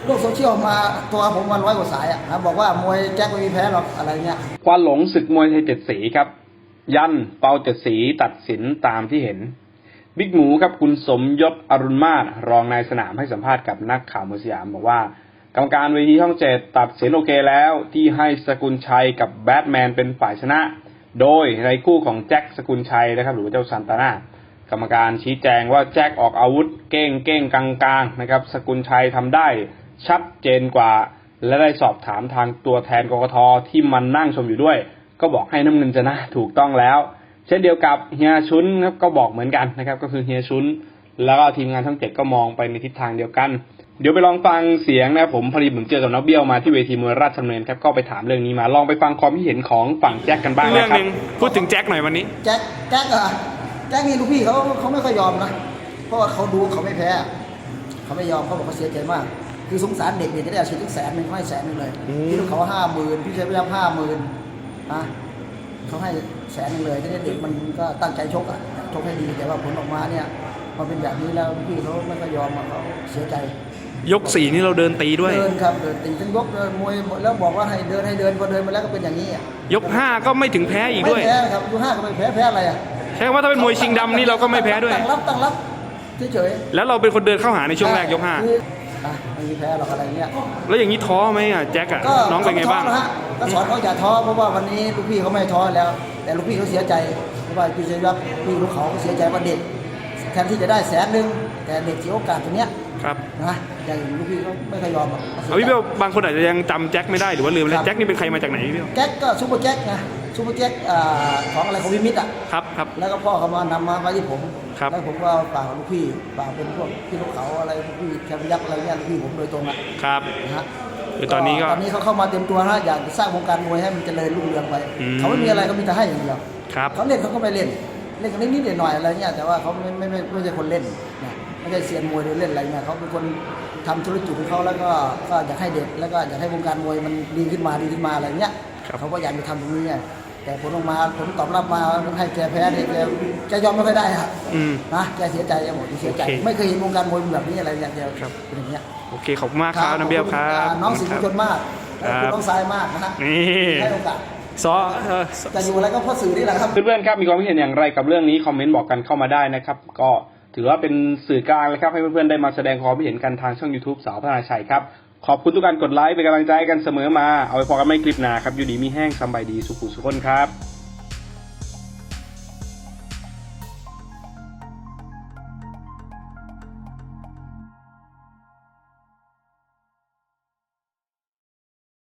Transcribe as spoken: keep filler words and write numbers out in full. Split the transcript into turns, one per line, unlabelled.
โลกโซเชียลมาตัวผมมาร้อยกว่าสายอ่ะนะบอกว่ามวยแจ็คไม่มีแพ้หรอกอะไรเงี้ย
ควันหลงศึกมวยไทยเจ็ดสีครับยันเปาเจ็ดสีตัดสินตามที่เห็นบิ๊กหมูครับคุณสมยศอรุณมาศรองนายสนามให้สัมภาษณ์กับนักข่าวมวยสยามบอกว่ากรรมการเวทีช่องเจ็ดตัดสินโอเคแล้วที่ให้สกุลชัยกับแบทแมนเป็นฝ่ายชนะโดยในคู่ของแจ็คสกุลชัยนะครับหรือเจ้าซันตาน่ากรรมการชี้แจงว่าแจ็คออกอาวุธเก้งเก้งกลางกลางนะครับสกุลชัยทำได้ชัดเจนกว่าและได้สอบถามทางตัวแทนกกทที่มันนั่งชมอยู่ด้วยก็บอกให้น้ำเงินชนะถูกต้องแล้วเช่นเดียวกับเฮียชุนครับก็บอกเหมือนกันนะครับก็คือเฮียชุนแล้วก็ทีมงานทั้งเจ็ดก็มองไปในทิศทางเดียวกันเดี๋ยวไปลองฟังเสียงนะผมพอดีผมเจอกับน้องเบี้ยวมาที่เวทีมวยราชดำเนินครับก็ไปถามเรื่องนี้มาลองไปฟังความคิดเห็นของฝั่งแจ็คกันบ้างนะครับเรื่องนึง
พูดถึงแจ็คหน่อยวันนี้
แจ็คแจ็คอะแจ็คนี่ลูกพี่เขาเขาไม่ค่อยยอมนะเพราะว่าเขาดูเขาไม่แพ้เขาไม่ยอมเขาบอกเขาเสียใจมากคือสงสารเด็กเนี่ยจะได้อาชีพถึงแสนหนึ่งเขาให้แสนหนึ่งเลยที่ลูกเขาห้าหมื่นพี่ชายพยายามห้าหมื่นนะเขาให้แสนหนึ่งเลยที่เด็กมันก็ตั้งใจชกอะชกให้ดีแต่ว่าผลออกมาเนี่ยพอเป็นแบบนี้แล้วพี่เขาไม่ค่อยยอมเขาเสียใจ
ยกสี่นี่เราเดินตีด้วย
เดินครับเดินตีทั้งยกเดินมวยแล้วบอกว่าให้เดินให้เดินพอเดินมาแล้วก็เป็นอย่างนี้อ่ะ
ยกห้าก็ไม่ถึงแพ้อีกด้วย
ไม่แพ้ครับยกห้าก็ไม่แพ้แพ้อะไรอ่ะ
ใช่ว่าถ้าเป็นมวยชิงดำนี่เราก็ไม่แพ้ด้วย
ตั้งรับตั้งรับเฉย
ๆแล้วเราเป็นคนเดินเข้าหาในช่วงแรกยกห้า
ไม่มีแพ้หรอกอะไรเงี้ย
แล้วอย่างนี้ท้อไหมอ่ะแจ็คอ่ะน้องเป็นไงบ้าง
ก็สอนเขาอย่าท้อเพราะว่าวันนี้ลูกพี่เขาไม่ท้อแล้วแต่ลูกพี่เขาเสียใจเพราะว่าพี่เชยรับพี่ลูกเขาเสียใจว่าเด็กแทนที่จะได้แสนหนึ่งแต่เด็กเสียโอกาสตรงเนี้ย
ครับ
นะอย่างลูกพี่เขาไม่เคยยอมหรอก
พี่เบลบางคนอาจจะยังจำแจ็คไม่ได้หรือว่าลืมเลยแจ็คนี่เป็นใครมาจากไหนพี่เบล
แจ็คก็ซูเปอร์แจ็คนะซูเปอร์แจ็คของอะไรของวิมิตอ่ะ
ครับครับ
แล้วก็พ่อเขามานำมาไว้ที่ผม
ครับ
แล้วผมก็ฝากลูกพี่ฝากเป็นพวกพี่ลูกเขาอะไรพี่แคมป์ยักษ์อะไรเงี้ยลูกพี่ผมโดยตรงอ่ะ
ครับ
นะฮะ
คือตอนนี้ก็
ตอนนี้เขาเข้ามาเต็มตัวนะอยากสร้างวงการมวยให้มันเจริญรุ่งเรืองไปเขาไม่มีอะไรเขามีแต่ให้อย่างเดียวเขาเล่นเขาก็ไม่เล่นเล่นกันนิดๆหน่อยๆอะไรเงี้ยแต่ว่าเขาไม่ไม่ไม่ไม่ใช่คนเล่นนะไม่ใช่เซียนมวยหรือเล่นอะไรเงี้ยเขาเป็นคนทำธุรกิจของเขาแล้วก็ก็อยากให้เด็กแล้วก็อยากให้วงการมวยมันดีขึ้นมาดีขึ้นมาอะไรเงี้ยเขาก็อยากจะทำตรงนี้แต่ผลออกมาผลตอบรับมาให้แกแพ้เนี่ยแกแกยอมไม่ค่อยได้ครับนะแกเสียใจหมดเสียใจไม่เคยเห็นวงการมวยแบบนี้อะไรอย่างเดียวเป็นอย่างเงี้ย
โอเคขอบคุณมากครับน้ำเบี้ยวครับ
น้องสิงห์ชนมากคุณน้องสายมากนะฮะให้โอกาส
ซอ
จะอยู่อะไรก็เพราะสื่อนี่แหละครับ
เพื่อนๆครับมีความคิดเห็นอย่างไรกับเรื่องนี้คอมเมนต์บอกกันเข้ามาได้นะครับก็ถือว่าเป็นสื่อกลางเลยครับให้เพื่อนๆได้มาแสดงความคิดเห็นกันทางช่อง YouTube สาวพัฒนาชัยครับขอบคุณทุกการกดไลค์เป็นกำลังใจกันเสมอมาเอาไว้พอกันไม่คลิปหน้าครับอยู่ดีมีแห้งสบายดีสุขุสุขคนครับ